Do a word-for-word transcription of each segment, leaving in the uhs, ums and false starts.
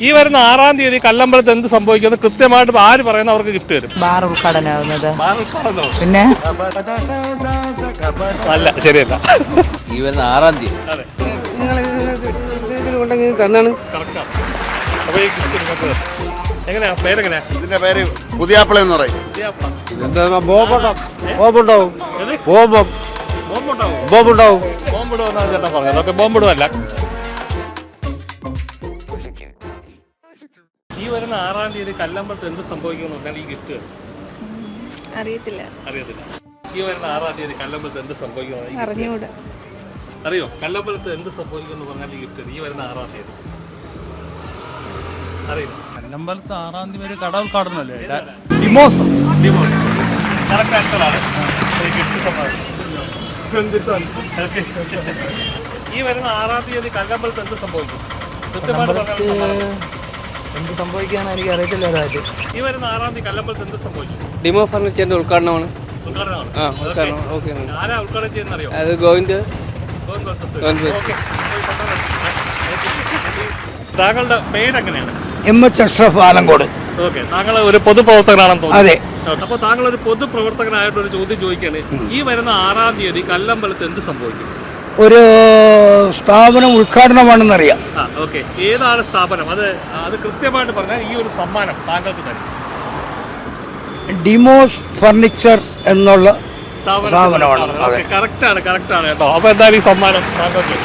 ഈ വരുന്ന ആറാം തീയതി കല്ലമ്പലത്ത് എന്ത് സംഭവിക്കുന്നത് കൃത്യമായിട്ട് ആര് പറയുന്ന അവർക്ക് ഗിഫ്റ്റ് തരും. ബാർ ഉദ്ഘാടനമാകുന്നത്. ബാർ ഉദ്ഘാടനോ? പിന്നെ അല്ല, ശരിയല്ല. ഈ വരുന്ന ആറാം തീയതി അതെ, തന്നാണ്. കറക്റ്റാണ്. അപ്പോൾ ഈ ഗിഫ്റ്റ് നിങ്ങൾക്ക് എങ്ങനെയാ? പേരെങ്ങനെയാ? ഇതിന്റെ പേര് പുതിയാപ്പിള എന്ന് പറയും. ബോംബുണ്ടാവും. ബോംബുണ്ടാവും. ബോംബുണ്ടാവും എന്നാണ് ചേട്ടൻ പറഞ്ഞത്. ഓക്കെ, ബോംബിടുമല്ല. ഈ വരുന്ന ആറാം തീയതി കല്ലമ്പലത്ത് എന്ത് സംഭവിക്കുമെന്ന് പറഞ്ഞാൽ ഈ ഗിഫ്റ്റ് അറിയത്തില്ല. അറിയത്തില്ല. ഈ വരുന്ന ആറാം തീയതി കല്ലമ്പലത്ത് എന്ത് സംഭവിക്കുമെന്ന് അറിഞ്ഞൂടാ. അറിയോ? കല്ലമ്പലത്ത് എന്ത് സംഭവിക്കുമെന്ന് പറഞ്ഞാൽ ഈ ഗിഫ്റ്റ് ഈ വരുന്ന ആറാം തീയതി അറിയില്ല. കല്ലമ്പലത്ത് ആറാം തീയതി ഒരു കട ഉദ്ഘാടനമല്ലേ? ഡിമോസ്. ഡിമോസ് കറക്റ്റ് ആൻസറാണ്. ഈ ഗിഫ്റ്റ് സമ്മാനം. ഈ വരുന്ന ആറാം തീയതി കല്ലമ്പലത്ത് എന്ത് സംഭവിക്കും? കൃത്യമായിട്ട് എന്ത് സംഭവിക്കാന്ന് എനിക്ക് അറിയത്തില്ല. ഈ വരുന്ന ആറാം തീയതി കല്ലമ്പലത്ത് എന്ത് സംഭവിക്കും? ഡിമോ ഫർണിച്ചറിന്റെ ഉദ്ഘാടനമാണ്. ഉദ്ഘാടനമാണ്. ആ, ഉദ്ഘാടനം. ഓക്കെ. ആരാ ഉദ്ഘാടനം ചെയ്യുന്ന അറിയോ? അത് ഗോവിന്ദ്. താങ്കളുടെ പേരെങ്ങനെയാണ്? M H Ashraf Alangode. Okay, താങ്കൾ ഒരു പൊതുപ്രവർത്തകനാണെന്ന് തോന്നുന്നു. അതെ. അപ്പോൾ താങ്കൾ ഒരു പൊതുപ്രവർത്തകനായിട്ട് ഒരു ചോദ്യം ചോദിക്കുകയാണ്. ഈ വരുന്ന ആറാം തീയതി കല്ലമ്പലത്ത് എന്ത് സംഭവിക്കും? ഒരു സ്ഥാപനം ഉദ്ഘാടനമാണെന്നറിയാം. ആ, ഓക്കെ. ഏതാണ് സ്ഥാപനം? അത് അത് കൃത്യമായിട്ട് പറഞ്ഞാൽ ഈ ഒരു സമ്മാനം താങ്കൾക്ക് തരും. ഡിമോസ് ഫർണിച്ചർ എന്നുള്ള സ്ഥാപനമാണ്. കറക്റ്റാണ്, കറക്റ്റാണ് കേട്ടോ. അപ്പോൾ എന്തായാലും ഈ സമ്മാനം താങ്കൾക്ക്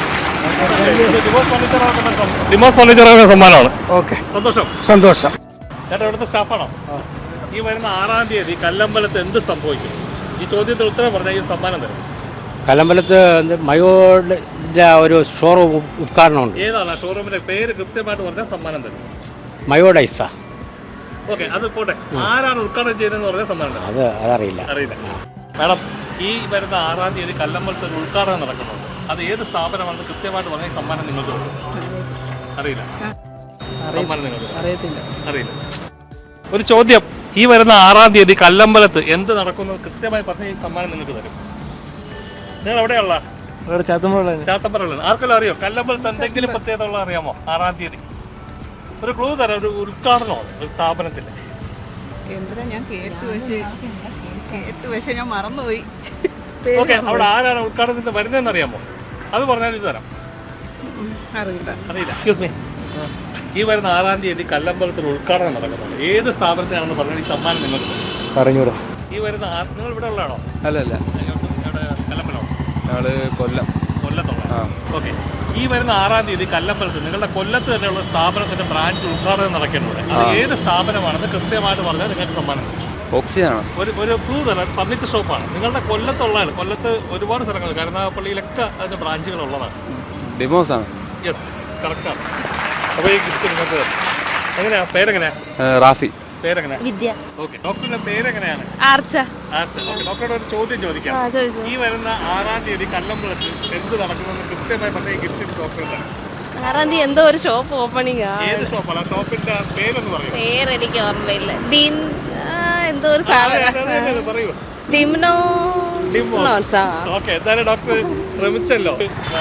ഡിമോസ് ഫർണിച്ചർ സമ്മാനമാണ്. ഓക്കെ, സന്തോഷം. സന്തോഷം. ചേട്ടാ, ഇവിടുത്തെ സ്റ്റാഫാണോ? ഈ വരുന്ന ആറാം തീയതി കല്ലമ്പലത്ത് എന്ത് സംഭവിക്കും? ഈ ചോദ്യത്തിന് ഉത്തരം പറഞ്ഞാൽ ഈ സമ്മാനം തരും. കല്ലമ്പലത്ത് മയോഡിൻ്റെ ഒരു ഷോറൂം ഉദ്ഘാടനമുണ്ട്. ഏതാണ് ഷോറൂമിന്റെ പേര്? കൃത്യമായിട്ട് പറഞ്ഞാൽ സമ്മാനം തരും. മയോഡൈസ. ഓക്കെ, അത് പോട്ടെ. ആരാണ് ഉദ്ഘാടനം ചെയ്തതെന്ന് പറഞ്ഞാൽ സമ്മാനം തരും. അത് അതറിയില്ല. അറിയില്ല. മാഡം, ഈ വരുന്ന ആറാം തീയതി കല്ലമ്പലത്ത് ഒരു ഉദ്ഘാടനം നടക്കുന്നുണ്ട്. അത് ഏത് സ്ഥാപനമാണെന്ന് കൃത്യമായിട്ട് പറഞ്ഞാൽ ഈ സമ്മാനം നിങ്ങൾക്ക് തരും. അറിയില്ല. സമ്മാനം നിങ്ങൾക്ക് അറിയത്തില്ല. അറിയില്ല. ഒരു ചോദ്യം. ഈ വരുന്ന ആറാം തീയതി കല്ലമ്പലത്ത് എന്ത് നടക്കുന്നത് കൃത്യമായി പറഞ്ഞാൽ ഈ സമ്മാനം നിങ്ങൾക്ക് തരും. നിങ്ങൾ എവിടെയുള്ള? ചാത്തമ്പല. ആർക്കെല്ലാം അറിയോ കല്ലമ്പലത്ത് എന്തെങ്കിലും പ്രത്യേകത ഉള്ള അറിയാമോ? ആറാം തീയതി ഒരു ക്ലൂ തരാം. ഒരു ഉദ്ഘാടനമാണ് ഒരു സ്ഥാപനത്തിന്റെ. എന്തിനാ ഞാൻ കേട്ടു, പക്ഷേ കേട്ടു പക്ഷേ ഞാൻ മറന്നുപോയി. ഓക്കെ, അവിടെ ആരാണ് ഉദ്ഘാടനത്തിന് വരുന്നതെന്ന് അറിയാമോ? അത് പറഞ്ഞാൽ ഇത് തരാം. അറിയില്ല. അറിയില്ല. Excuse me. ഈ വരുന്ന ആറാം തീയതി കല്ലമ്പലത്തിൽ ഉദ്ഘാടനം നടക്കുന്നുണ്ട്. ഏത് സ്ഥാപനത്തിനാണെന്ന് പറഞ്ഞാൽ ഈ സമ്മാനം നിങ്ങൾക്ക് പറഞ്ഞൂടാ. ഈ വരുന്ന നിങ്ങൾ ഇവിടെ ഉള്ളതാണോ? അല്ലല്ല, കല്ലമ്പലം. ഞങ്ങള് കൊല്ലം. കൊല്ലത്തുള്ള. ഓക്കെ. ഈ വരുന്ന ആറാം തീയതി കല്ലമ്പലത്ത് നിങ്ങളുടെ കൊല്ലത്ത് തന്നെയുള്ള സ്ഥാപനത്തിന്റെ ബ്രാഞ്ച് ഉദ്ഘാടനം നടക്കുന്നുണ്ട്. അത് ഏത് സ്ഥാപനമാണെന്ന് കൃത്യമായിട്ട് പറഞ്ഞാൽ നിങ്ങൾക്ക് സമ്മാനം തരും. ഓക്സിജനാണ്. ഒരു ഒരു ക്ലൂ തരാം. ഫർണിച്ചർ ഷോപ്പാണ്. നിങ്ങളുടെ കൊല്ലത്തുള്ളതാണ്. കൊല്ലത്ത് ഒരുപാട് സ്ഥലങ്ങൾ, കരുനാഗപ്പള്ളിയിലൊക്കെ അതിന്റെ ബ്രാഞ്ചുകൾ ഉള്ളതാണ്. ഡിമോസ് ആണ്. യെസ്, കറക്റ്റാണ്. അപ്പോൾ ഈ ഗിഫ്റ്റ് നിങ്ങൾക്ക് എങ്ങനെയാ? പേരെങ്ങനെയാ? റാഫി. പേരെങ്ങനെയാ? വിദ്യ. ഓക്കെ. ഡോക്ടറിന്റെ പേരെങ്ങനെയാണ്? ആർച്ച. ആർച്ച. ഓക്കെ. ഡോക്ടറോട് ഒരു ചോദ്യം ചോദിക്കാം. ഈ വരുന്ന ആറാം തീയതി കല്ലമ്പലത്ത് എന്ത് നടക്കുമെന്ന് കൃത്യമായി പറഞ്ഞ ഈ ഗിഫ്റ്റ് ഡോക്ടർ തന്നെ. ആറാം തീയതി എന്തോ ഒരു ഷോപ്പ് ഓപ്പണിംഗ്. ഏത് ഷോപ്പാണ്? ആ ഷോപ്പിന്റെ പേരൊന്ന് പറയൂ. പേര് എനിക്ക് ഓർമ്മയില്ല. ദിൻ എന്തോ ഒരു സാധനം. പറയൂ. ദിംനോ. ഓക്കെ, എന്തായാലും ഡോക്ടർ ശ്രമിച്ചല്ലോ.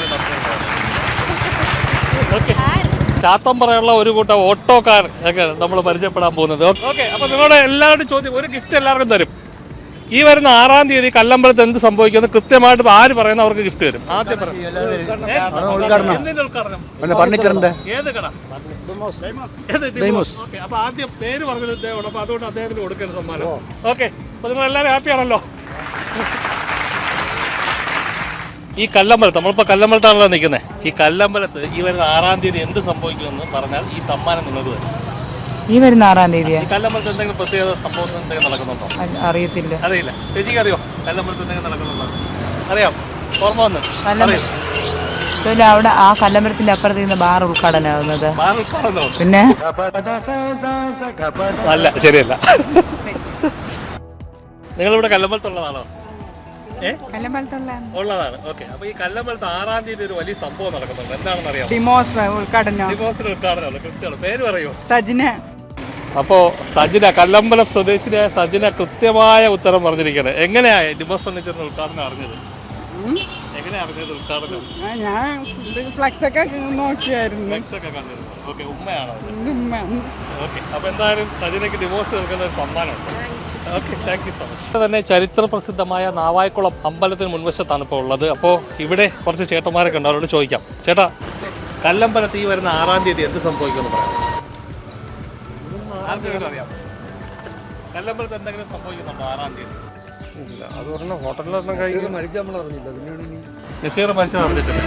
ഓക്കെ. ചാത്തമ്പറയുള്ള ഒരു കൂട്ടം ഓട്ടോക്കാർ ഒക്കെ നമ്മൾ പരിചയപ്പെടാൻ പോകുന്നത്. ഓക്കെ, അപ്പോൾ നിങ്ങളുടെ എല്ലാവരുടെയും ചോദ്യം, ഒരു ഗിഫ്റ്റ് എല്ലാവർക്കും തരും. ഈ വരുന്ന ആറാം തീയതി കല്ലമ്പലത്ത് എന്ത് സംഭവിക്കുന്നത് കൃത്യമായിട്ട് ആര് പറയുന്ന അവർക്ക് ഗിഫ്റ്റ് തരും. ആദ്യം പറയും. ഫർണിച്ചറിന്റെ ഏത് കട? ഓക്കെ, അപ്പോൾ ആദ്യം പേര് പറഞ്ഞത് ഇദ്ദേഹമാണ്. അപ്പോൾ അതുകൊണ്ട് അദ്ദേഹത്തിന് കൊടുക്കേണ്ട സമ്മാനം. ഓക്കെ, അപ്പോൾ നിങ്ങൾ എല്ലാവരും ഹാപ്പിയാണല്ലോ? ഈ കല്ലമ്പലത്ത്, നമ്മളിപ്പോൾ കല്ലമ്പലത്താണല്ലോ നിൽക്കുന്നത്. ഈ കല്ലമ്പലത്ത് ഈ വരുന്ന ആറാം തീയതി എന്ത് സംഭവിക്കുമെന്ന് പറഞ്ഞാൽ ഈ സമ്മാനം നിങ്ങൾക്ക് തരും. ഈ വരുന്ന ആറാം തീയതി കല്ലമ്പലത്ത് എന്തെങ്കിലും പ്രത്യേക സംഭവം എന്തെങ്കിലും നടക്കുന്നുണ്ടോ? അറിയത്തില്ല. അറിയില്ല. ചേച്ചിക്ക് അറിയോ കല്ലമ്പലത്ത് എന്തെങ്കിലും നടക്കുന്നുണ്ടോ? അറിയാം. ഓർമ്മ വന്ന് അവിടെ ആ കല്ലമ്പലത്തിന്റെ അപ്പുറത്ത് നിന്ന് ബാർ ഉദ്ഘാടനമാകുന്നത്. ബാർ ഉദ്ഘാടനോ? പിന്നെ അല്ല, ശരിയല്ല. നിങ്ങളിവിടെ കല്ലമ്പലത്തുള്ളതാണോ? ഉള്ളതാണ്. ഓക്കെ, അപ്പൊ ഈ കല്ലമ്പലത്ത് ആറാം തീയതി ഒരു വലിയ സംഭവം നടക്കുന്നുണ്ട്. എന്താണെന്ന് അറിയാം? ഡിമോസ് ഉദ്ഘാടനം. ഡിമോസിന്റെ ഉദ്ഘാടനമല്ലോ. കൃത്യമാണ്. പേര് പറയൂ. സജിന. അപ്പോൾ സജിന, കല്ലമ്പലം സ്വദേശിനിയായ സജിന കൃത്യമായ ഉത്തരം പറഞ്ഞിരിക്കുകയാണ്. എങ്ങനെയാ ഡിമോസ് ഫർണിച്ചറിന്റെ ഉദ്ഘാടനം അറിഞ്ഞത്? എങ്ങനെയാ അറിഞ്ഞത് ഉദ്ഘാടനം? ഞാൻ ഫ്ലക്സ് ഒക്കെ നോക്കിയായിരുന്നു. ഫ്ലക്സ് ഒക്കെ കണ്ടിരുന്നു. ഓക്കെ, ഉമ്മയാണോ? ഓക്കെ, അപ്പോൾ എന്തായാലും സജിനയ്ക്ക് ഡിവോഴ്സ് നൽകുന്ന ഒരു സമ്മാനമുണ്ട്. Okay, thank you so much. തന്നെ ചരിത്ര പ്രസിദ്ധമായ നാവായിക്കുളം അമ്പലത്തിന് മുൻവശത്താണ് ഇപ്പോൾ ഉള്ളത്. അപ്പോൾ ഇവിടെ കുറച്ച് ചേട്ടന്മാരൊക്കെ ഉണ്ട്, അവരോട് ചോദിക്കാം. ചേട്ടാ, കല്ലമ്പലത്ത് ഈ വരുന്ന ആറാം തീയതി എന്ത് സംഭവിക്കുമെന്ന് പറയാം? ആർക്കെങ്കിലും അറിയാം? കല്ലമ്പലത്ത് എന്തെങ്കിലും സംഭവിക്കുന്നുണ്ടോ ആറാം തീയതി? അത് പറഞ്ഞ ഹോട്ടലിലൊന്നും കഴിക്കും. നസീർ മരിച്ചത് അറിഞ്ഞിട്ടില്ല.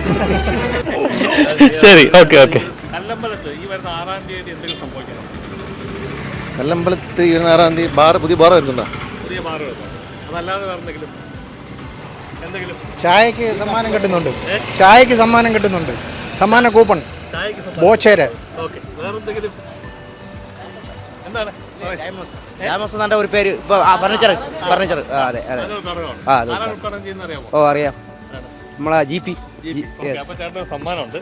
ശരി, ഓക്കെ ഓക്കെ. കല്ലമ്പലത്ത് ഈ വരുന്ന ആറാം തീയതി എന്തെങ്കിലും സംഭവിക്കണം? കല്ലമ്പലത്ത് ഇരുപത്തിയാറാം തീയതി ബാർ പുതിയ ബാർ വരുന്നുണ്ടോ? പുതിയ ബാറ് വരുന്നുണ്ടോ? അതല്ലാതെ വേറെ എന്തെങ്കിലും എന്തെങ്കിലും ചായക്ക് സമ്മാനം കിട്ടുന്നുണ്ട്. ചായക്ക് സമ്മാനം കിട്ടുന്നുണ്ട്. സമ്മാന കൂപ്പൺ ചായക്ക് ബോച്ചേര്. ഓക്കെ, വേറെ എന്തെങ്കിലും എന്താണ്? രാമോസ് ഒരു പേര് ഇപ്പൊ ഫർണിച്ചർ ഫർണിച്ചർ അതെ അതെ ആ അതെ ഉദ്ഘാടനം ചെയ്യുന്ന അറിയാമോ? ഓ അറിയാം, നമ്മളെ ജി പി. അപ്പോൾ ചേട്ടന് സമ്മാനമുണ്ട്.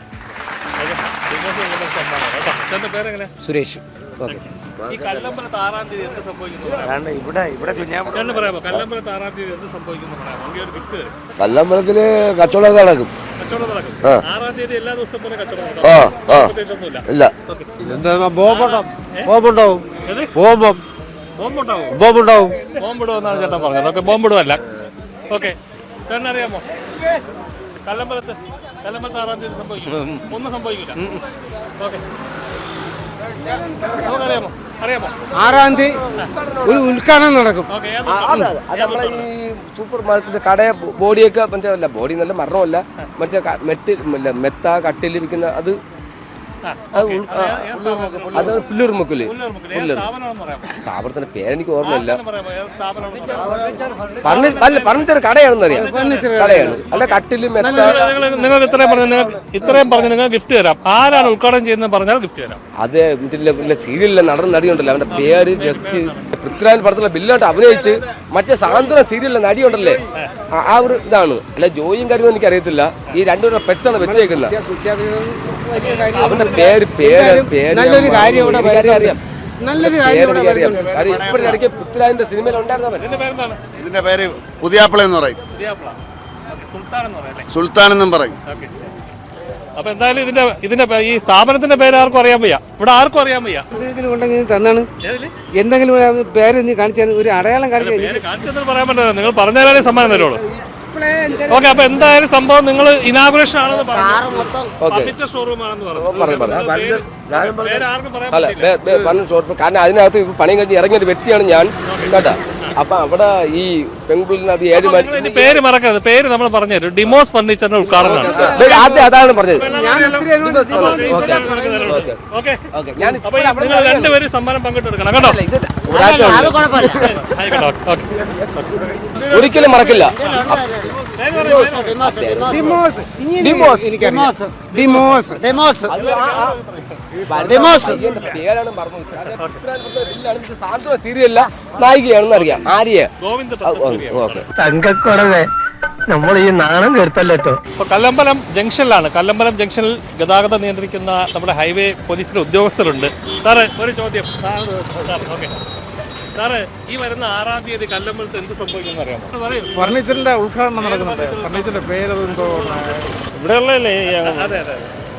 ചേട്ടൻ്റെ പേരെങ്ങനെ? സുരേഷ്. ഓക്കെ. ഈ കല്ലമ്പലത്ത് ആറാം തീയതി എന്ത് സംഭവിക്കുന്നു? ഇവിടെ ഇവിടെ ചേട്ടന് പറയാമോ? കല്ലമ്പലത്ത് ആറാം തീയതി എന്ത് സംഭവിക്കുന്നു പറയാമോ? എനിക്ക് ഒരു ഗിഫ്റ്റ് തരും. കല്ലമ്പലത്തില് കച്ചവടം നടക്കും. കച്ചവടം നടക്കും. ആറാം തീയതി എല്ലാ ദിവസവും പോലെ കച്ചവടം നടക്കും. പ്രത്യേകിച്ചൊന്നുമില്ല. ഇല്ല. എന്താ ബോംബുണ്ടാവും ബോംബുണ്ടാവും ബോംബം ബോംബുണ്ടാവും ബോംബുണ്ടാവും ബോംബിടുമെന്നാണ് ചേട്ടൻ പറഞ്ഞത്. ഓക്കെ, ബോംബിടുമല്ല. ഓക്കെ, ചേട്ടൻ അറിയാമോ? കല്ലമ്പലത്ത് കല്ലമ്പലത്ത് ആറാം തീയതി സംഭവിക്കും? ഒന്നും സംഭവിക്കില്ല. ഓക്കെ, നമുക്കറിയാമോ? അറിയാമോ? ആറാം തീയതി ഒരു ഉദ്ഘാടനം നടക്കും. ഓക്കെ, അത് നമ്മളെ ഈ സൂപ്പർ മാർക്കറ്റ് കടയെ ബോഡിയൊക്കെ മറ്റേ അല്ല ബോഡി നല്ല മരണമല്ല, മറ്റേ ക- മെറ്റ് ഇല്ല, മെത്ത കട്ടിൽ വിൽക്കുന്ന അത് അത് ഉൾ- ആ, അത് പുല്ലൂർ മുക്കില് സ്ഥാപനത്തിന്റെ പേരെനിക്ക് ഓർമ്മയില്ല. ഫർണിച്ചർ അല്ല ഫർണിച്ചർ കടയാണെന്ന് അറിയാം. കടയാണ് അല്ല കട്ടില് മെത്ത. നിങ്ങൾ ഇത്രയും പറഞ്ഞു നിങ്ങൾ ഇത്രയും പറഞ്ഞ് നിങ്ങൾ ഗിഫ്റ്റ് തരാം. ആരാണ് ഉദ്ഘാടനം ചെയ്യുന്നത് പറഞ്ഞാൽ ഗിഫ്റ്റ് തരാം. അത് ഇതിലെ സീരിയലിലെ നടൻ നടിയുണ്ടല്ലോ, അവന്റെ പേര് ജസ്റ്റ് പൃഥ്വിരാജ് പടത്തിലെ ബില്ലായിട്ട് അഭിനയിച്ച് മറ്റേ സാന്ത്വന സീരിയലിലെ നടിയുണ്ടല്ലേ, ആ- ആ ഒരു ഇതാണ്. അല്ല ജോയിയും കാര്യമൊന്നും എനിക്ക് അറിയത്തില്ല. ഈ രണ്ടുപേരുടെ പെറ്റ്സാണ് വെച്ചേക്കുന്നത്. അവന്റെ പേര് പേര് പേര് നല്ലൊരു കാര്യം ഇവിടെ എനിക്കറിയാം, അറിയാം. നല്ലൊരു പേര് കാര്യം ഇവിടെ എനിക്കറിയാം. വരുന്നുണ്ട്. കാര്യം ഇപ്പോഴും ഇടയ്ക്ക് പൃഥ്വിരാജിന്റെ സിനിമയിൽ ഉണ്ടായിരുന്നവൻ. ഇതിന്റെ പേരെന്താണ്? ഇതിന്റെ പേര് പുതിയാപ്പിള എന്ന് പറയും. ദിയാപ്ല. ഓക്കെ, സുൽത്താൻ എന്ന് പറയാം അല്ലേ? സുൽത്താൻ എന്നും പറയും. ഓക്കെ. അപ്പൊ എന്തായാലും ഇതിന്റെ ഇതിന്റെ പേ- ഈ സ്ഥാപനത്തിന്റെ പേര് ആർക്കും അറിയാൻ വയ്യ. ഇവിടെ ആർക്കും അറിയാൻ വയ്യ. എന്തെങ്കിലും ഉണ്ടെങ്കിൽ തന്നാണ്. ഏതില്? എന്തെങ്കിലും ഒരു പേര് നീ കാണിച്ചാൽ ഒരു അടയാളം കാണിച്ചാൽ പേര് കാണിച്ചെന്ന് പറയാൻ പറ്റില്ല. നിങ്ങൾ പറഞ്ഞാലേ സമ്മാനം തരുള്ളൂ. ഓക്കെ, അപ്പൊ എന്തായാലും സംഭവം നിങ്ങൾ ഇനാഗുറേഷൻ ആണെന്ന് പറഞ്ഞു. ഫർണിച്ചർ ഷോറൂം ആണെന്ന് പറഞ്ഞു. പറഞ്ഞു പറഞ്ഞു പേര് ആർക്കും പറയാൻ അല്ല പറ്റില്ല. ബേ- ബേ- പറഞ്ഞു ഷോർട്ട് കാരണം അതിനകത്ത് ഇപ്പൊ പണിയും കഴിഞ്ഞ് ഇറങ്ങിയ ഒരു വ്യക്തിയാണ് ഞാൻ കേട്ടാ. അപ്പൊ അവിടെ ഈ പെൺകുളിനകത്ത് ഏഴ് മണി നിങ്ങൾ ഇനി പേര് മറക്കരുത്. പേര് നമ്മൾ പറഞ്ഞു തരും. ഡിമോസ് ഫർണിച്ചറിന്റെ ഉദ്ഘാടനമാണ്. ആദ്യം അതാണ് പറഞ്ഞത്. ഓക്കെ, ഓക്കെ ഞാൻ അപ്പൊ നിങ്ങൾ രണ്ടുപേരും സമ്മാനം പങ്കിട്ടെടുക്കണം കേട്ടോ. ആയിക്കോട്ടെ, ഓക്കെ. ഒരിക്കലും മറക്കില്ല. ഡിമോസ്. ഇങ്ങനെ ഡിമോസ്. എനിക്കറിയാം. ഡിമോസ്. ഡെമോസ് ഡിമോസ് പേരാണ് മറന്നു. സാന്ത്വന സീരിയല്ല നായികയാണെന്ന് അറിയാം. ആര്യ ഗോവിന്ദ് പത്തസൂരിയ. ഓക്കെ തങ്കക്കുറവേ നമ്മൾ ഈ നാണം കെടുത്തല്ലോ. ഇപ്പോൾ കല്ലമ്പലം ജംഗ്ഷനിലാണ്. കല്ലമ്പലം ജംഗ്ഷനിൽ ഗതാഗതം നിയന്ത്രിക്കുന്ന നമ്മുടെ ഹൈവേ പോലീസിലെ ഉദ്യോഗസ്ഥരുണ്ട്. സാറ് ഒരു ചോദ്യം. Sir, okay. സാറ് ഈ വരുന്ന ആറാം തീയതി കല്ലമ്പലത്ത് എന്ത് സംഭവിക്കുമെന്ന് അറിയാമോ? പറയൂ. ഫർണിച്ചറിന്റെ ഉദ്ഘാടനം നടക്കുന്നുണ്ട്. ഫർണിച്ചറിന്റെ പേര് എന്തോ ഇവിടെ ഉള്ളതല്ലേ? അതെ അതെ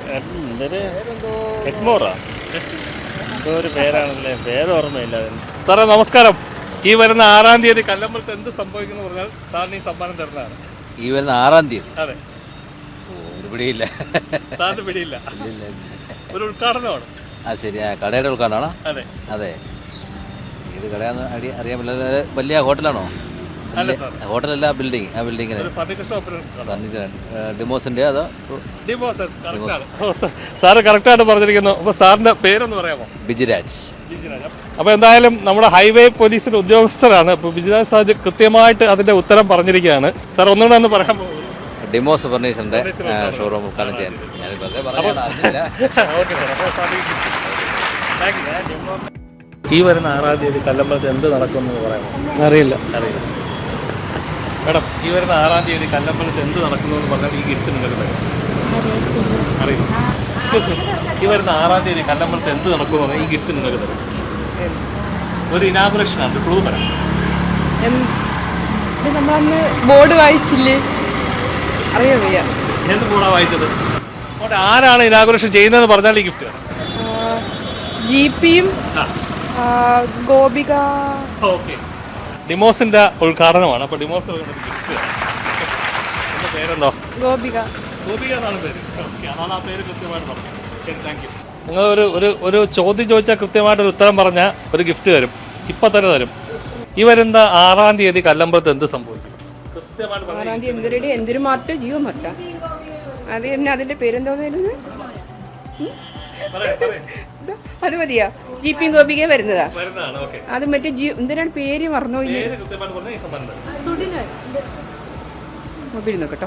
എഗ്മോറാ എന്തോ ഒരു പേരാണല്ലേ, പേര് ഓർമ്മയില്ല അതിന്. സാറേ നമസ്കാരം. ഈ വരുന്ന ആറാം തീയതി കല്ലമ്പലത്ത് എന്ത് സംഭവിക്കുന്നു പറഞ്ഞാൽ സാറിന് ഈ സമ്മാനം തരുന്നതാണ്. ഈ വരുന്ന ആറാം തീയതി അതെ, ഒരു പിടിയില്ല. സാറിന് പിടിയില്ല. ഒരു ഉദ്ഘാടനമാണ്. ആ ശരി, ആ കടയുടെ ഉൾക്കാണോ? അതെ അതെ. ഏത് കടയാന്ന് അടി- അറിയാൻ പറ്റില്ല. വലിയ ഹോട്ടലാണോ? അല്ല സാർ, ഹോട്ടലല്ല, ബിൽഡിംഗ്. ആ ബിൽഡിങ്ങിന് ഒരു ഫർണിച്ചർ ഷോപ്പിൽ ഫർണിച്ചർ ഡിമോസിൻ്റെ അതോ സാറ് കറക്റ്റായിട്ട് പറഞ്ഞിരിക്കുന്നു. അപ്പോൾ സാറിൻ്റെ പേരൊന്ന് പറയാമോ? ബിജിരാജ്. അപ്പോൾ എന്തായാലും നമ്മുടെ ഹൈവേ പോലീസിൻ്റെ ഉദ്യോഗസ്ഥരാണ്. അപ്പോൾ ബിജിരാജ് സാർ കൃത്യമായിട്ട് അതിൻ്റെ ഉത്തരം പറഞ്ഞിരിക്കുകയാണ്. സാർ ഒന്നുകൂടെ ഒന്ന് പറയാൻ പോകും. ഡിമോസ് ഫർണിച്ചറിൻ്റെ ഷോറൂം ഉദ്ഘാടനം ചെയ്യാൻ ഞാൻ വെറുതെ പറഞ്ഞില്ല. ഈ വരുന്ന ആറാം തീയതി കല്ലമ്പലത്ത് എന്ത് നടക്കുമെന്ന് പറയാമോ? അറിയില്ല. അറിയില്ല. മേഡം, ഈ വരുന്ന ആറാം തീയതി കല്ലമ്പലത്ത് എന്ത് നടക്കുന്നു എന്ന് പറഞ്ഞാൽ ഈ ഗിഫ്റ്റ് നിങ്ങൾക്ക് തരും. അറിയില്ല. എക്സ്ക്യൂസ് മീ, ഈ വരുന്ന ആറാം തീയതി കല്ലമ്പലത്ത് എന്ത് നടക്കുമെന്ന് പറഞ്ഞാൽ ഈ ഗിഫ്റ്റ് നിങ്ങൾക്ക് തരും. ഒരു ഇനാഗുറേഷനാണ്. ക്ലൂ തരാം. നമ്മളന്ന് ബോർഡ് വായിച്ചില്ലേ? അറിയാൻ വയ്യ. എന്ത് കൂടാ വായിച്ചത്? അവിടെ ആരാണ് ഇനാഗുറേഷൻ ചെയ്യുന്നതെന്ന് പറഞ്ഞാൽ ഈ ഗിഫ്റ്റ് തരാം. ജീപ്പിയും ഗോപിക ഓക്കെ. ഡിമോസിന്റെ ഉദ്ഘാടനമാണ്. അപ്പോൾ ഡിമോസ് ഗിഫ്റ്റ്. എൻ്റെ പേരെന്തോ? ഗോപിക. ഗോപിക എന്നാണ് പേര്. ഓക്കെ, അതാണ് ആ പേര് കൃത്യമായിട്ട് പറഞ്ഞത്. ശരി, താങ്ക് യു. നിങ്ങൾ ഒരു ഒരു ഒരു ചോദ്യം ചോദിച്ചാൽ കൃത്യമായിട്ടൊരു ഉത്തരം പറഞ്ഞാൽ ഒരു ഗിഫ്റ്റ് തരും. ഇപ്പം തന്നെ തരും. ഈ വരുന്ന ആറാം തീയതി കല്ലമ്പലത്ത് എന്ത് സംഭവിക്കും? കൃത്യമായിട്ട് ആറാം തീയതി എന്തൊരു എന്തൊരു മാറ്റ ജീവമാറ്റ അത് തന്നെ. അതിന്റെ പേരെന്തോന്നായിരുന്നു? അത് മതിയാ. ജീപ്പിയും ഗോപിക വരുന്നതാ. അത് മറ്റേ ജീ എന്തിനാണ് പേര് മറന്നു മൊബൈൽ നോക്കട്ടോ.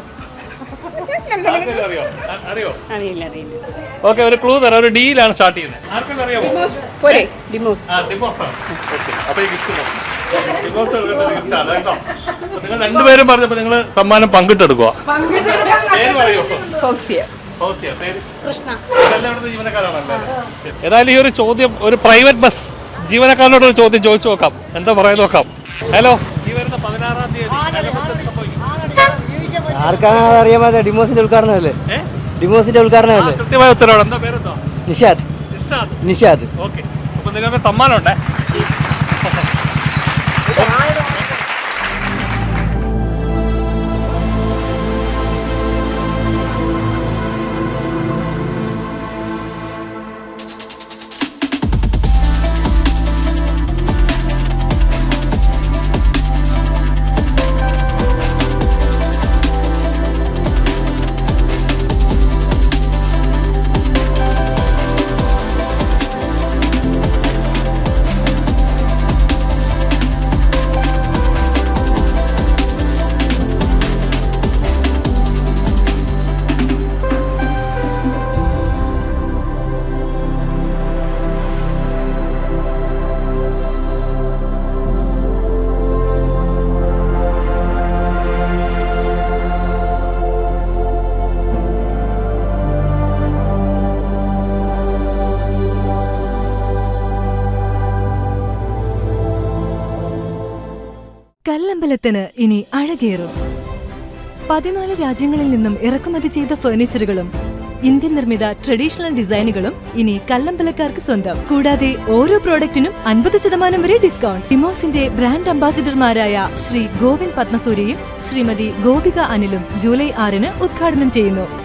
ഓക്കെ, ഒരു ക്ലൂ തരാം. ഒരു ഡീലാണ് സ്റ്റാർട്ട് ചെയ്യുന്നത്. പോരെ ഡിമോസ്. നിങ്ങൾ രണ്ടുപേരും പറഞ്ഞപ്പോൾ നിങ്ങൾ സമ്മാനം പങ്കിട്ടെടുക്കുക. ഏതായാലും ഈ ഒരു ചോദ്യം ഒരു പ്രൈവറ്റ് ബസ് ജീവനക്കാരനോട് ഒരു ചോദ്യം ചോദിച്ചു നോക്കാം. എന്താ പറയാൻ നോക്കാം. ഹലോ, ഈ വരുന്ന പതിനാറാം തീയതി ആർക്കാണ് അറിയാൻ പറ്റാ? ഡിമോസിന്റെ ഉദ്ഘാടനമല്ലേ? ഡിമോസിന്റെ ഉദ്ഘാടനമല്ലേ? കൃത്യമായ ഉത്തരവാണ്. എന്താ പേരെന്താ? നിഷാദ്. നിഷാദ്. ഓക്കെ, അപ്പൊ നിങ്ങൾക്ക് സമ്മാനം ഉണ്ടേ. കല്ലമ്പലത്തിന് ഇനി അഴകേറും. പതിനാല് രാജ്യങ്ങളിൽ നിന്നും ഇറക്കുമതി ചെയ്ത ഫർണിച്ചറുകളും ഇന്ത്യൻ നിർമ്മിത ട്രഡീഷണൽ ഡിസൈനുകളും ഇനി കല്ലമ്പലക്കാർക്ക് സ്വന്തം. കൂടാതെ ഓരോ പ്രോഡക്റ്റിനും അൻപത് ശതമാനം വരെ ഡിസ്കൗണ്ട്. ഡിമോസിന്റെ ബ്രാൻഡ് അംബാസിഡർമാരായ ശ്രീ ഗോവിന്ദ് പത്മസൂര്യയും ശ്രീമതി ഗോപിക അനിലും ജൂലൈ ആറിന് ഉദ്ഘാടനം ചെയ്യുന്നു.